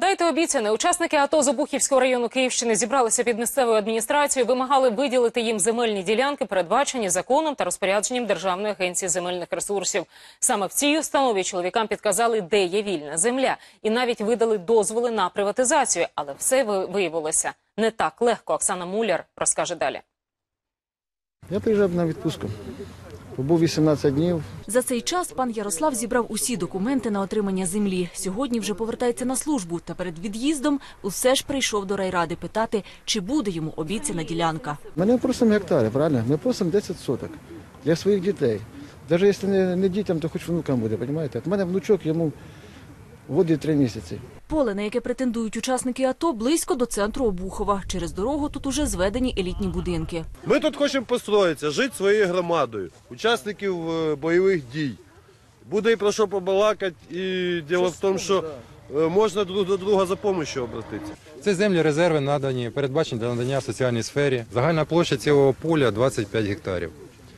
Дайте обіцяне. Учасники АТО з Обухівського району Київщини зібралися під місцевою адміністрацією, вимагали виділити їм земельні ділянки, передбачені законом та розпорядженням Державної агенції земельних ресурсів. Саме в цій установі чоловікам підказали, де є вільна земля, і навіть видали дозволи на приватизацію. Але все виявилося не так легко. Оксана Муляр розкаже далі. Я приїжджав на відпустку. Побув 18 днів. За цей час пан Ярослав зібрав усі документи на отримання землі. Сьогодні вже повертається на службу. Та перед від'їздом усе ж прийшов до райради питати, чи буде йому обіцяна ділянка. Мене просимо гектари, правильно? Ми просимо 10 соток для своїх дітей. Навіть якщо не дітям, то хоч внукам буде, розумієте? У мене внучок, йому водить 3 місяці. Поле, на яке претендують учасники АТО, близько до центру Обухова. Через дорогу тут уже зведені елітні будинки. Ми тут хочемо построїтися, жити своєю громадою, учасників бойових дій. Буде і про що побалакати, і діло в тому, що можна друг до друга за допомогою обратитися. Це землі резерви надані, передбачені для надання в соціальній сфері. Загальна площа цього поля 25 гектарів.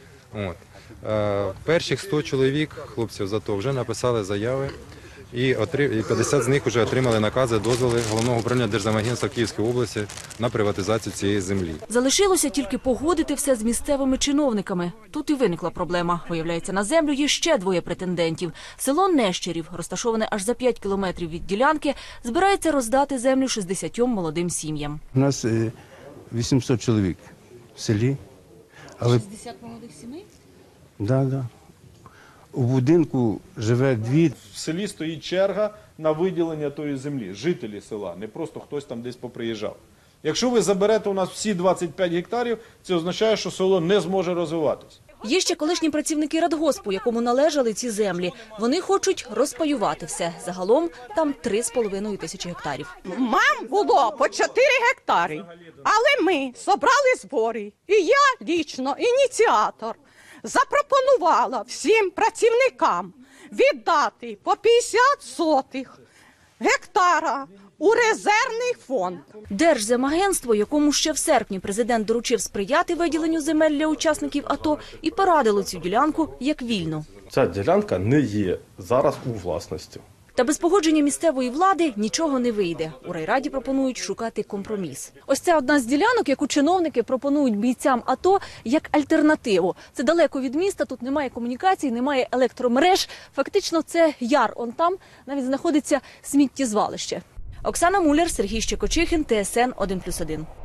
Перших 100 чоловік, хлопців з АТО, вже написали заяви. І 50 з них вже отримали накази, дозволи Головного управління Держземагентства Київської області на приватизацію цієї землі. Залишилося тільки погодити все з місцевими чиновниками. Тут і виникла проблема. Виявляється, на землю є ще 2 претендентів. Село Нещерів, розташоване аж за 5 кілометрів від ділянки, збирається роздати землю 60 молодим сім'ям. У нас 800 чоловік в селі. 60 молодих сімей? Так. У будинку живе 2. В селі стоїть черга на виділення тої землі, жителі села, не просто хтось там десь поприїжджав. Якщо ви заберете у нас всі 25 гектарів, це означає, що село не зможе розвиватися. Є ще колишні працівники радгоспу, якому належали ці землі. Вони хочуть розпаювати все. Загалом там 3,5 тисячі гектарів. Мам було по 4 гектари, але ми зібрали збори. І я лічно, ініціатор, запропонувала всім працівникам віддати по 50 сотих гектара у резервний фонд. Держземагентство, якому ще в серпні президент доручив сприяти виділенню земель для учасників АТО, і порадило цю ділянку як вільну. Ця ділянка не є зараз у власності. Та без погодження місцевої влади нічого не вийде. У райраді пропонують шукати компроміс. Ось це одна з ділянок, яку чиновники пропонують бійцям АТО як альтернативу. Це далеко від міста, тут немає комунікацій, немає електромереж. Фактично це яр. Он там навіть знаходиться сміттєзвалище. Оксана Муляр, Сергій Щекочихин, ТСН 1+1.